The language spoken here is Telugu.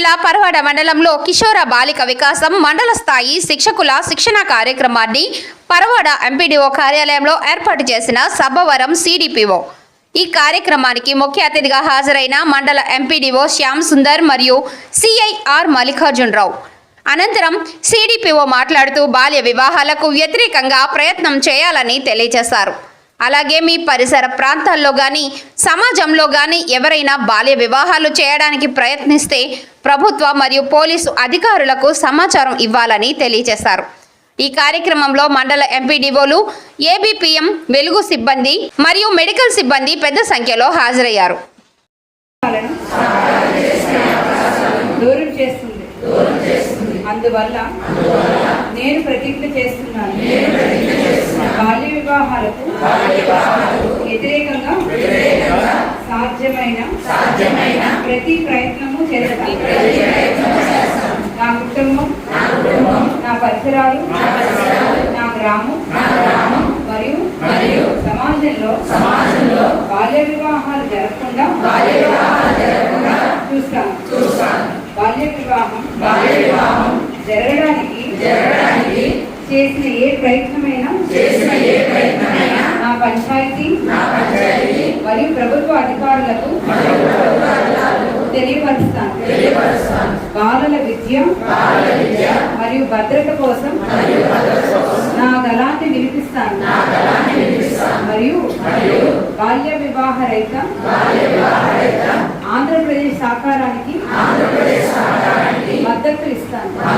జిల్లా పరవాడ మండలంలో కిషోర బాలిక వికాసం మండల స్థాయి శిక్షకుల శిక్షణ కార్యక్రమాన్ని పరవాడ ఎంపీడీఓ కార్యాలయంలో ఏర్పాటు చేసిన సబ్బవరం సిడిపిఓ. ఈ కార్యక్రమానికి ముఖ్య అతిథిగా హాజరైన మండల ఎంపీడీఓ శ్యామ్ సుందర్ మరియు సిఐఆర్ మల్లికార్జునరావు. అనంతరం సిడిపిఓ మాట్లాడుతూ బాల్య వివాహాలకు వ్యతిరేకంగా ప్రయత్నం చేయాలని తెలియజేశారు. అలాగే మీ పరిసర ప్రాంతాల్లో కానీ సమాజంలో కానీ ఎవరైనా బాల్య వివాహాలు చేయడానికి ప్రయత్నిస్తే ప్రభుత్వ మరియు పోలీసు అధికారులకు సమాచారం ఇవ్వాలని తెలియజేశారు. ఈ కార్యక్రమంలో మండల ఎంపీడీఓలు, ఏబీపీఎం, వెలుగు సిబ్బంది మరియు మెడికల్ సిబ్బంది పెద్ద సంఖ్యలో హాజరయ్యారు. అందువల్ల నేను ప్రతిజ్ఞ చేస్తున్నాను, బాల్య వివాహాలకు వ్యతిరేకంగా సాధ్యమైన ప్రతి ప్రయత్నము చేస్తాను. నా కుటుంబం, నా పరిసరాలు, నా గ్రామం మరియు సమాజంలో బాల్య వివాహాలు జరగకుండా చూస్తాను. బాల్య వివాహం జరగడానికి చేసిన ఏ ప్రయత్నమైనా నా పంచాయతీ మరియు ప్రభుత్వ అధికారులకు తెలియపరుస్తాను. బాలల విద్య మరియు భద్రత కోసం నా గళాన్ని వినిపిస్తాను మరియు బాల్య వివాహ రహిత ఆంధ్రప్రదేశ్ సాకారానికి మద్దతు ఇస్తాను.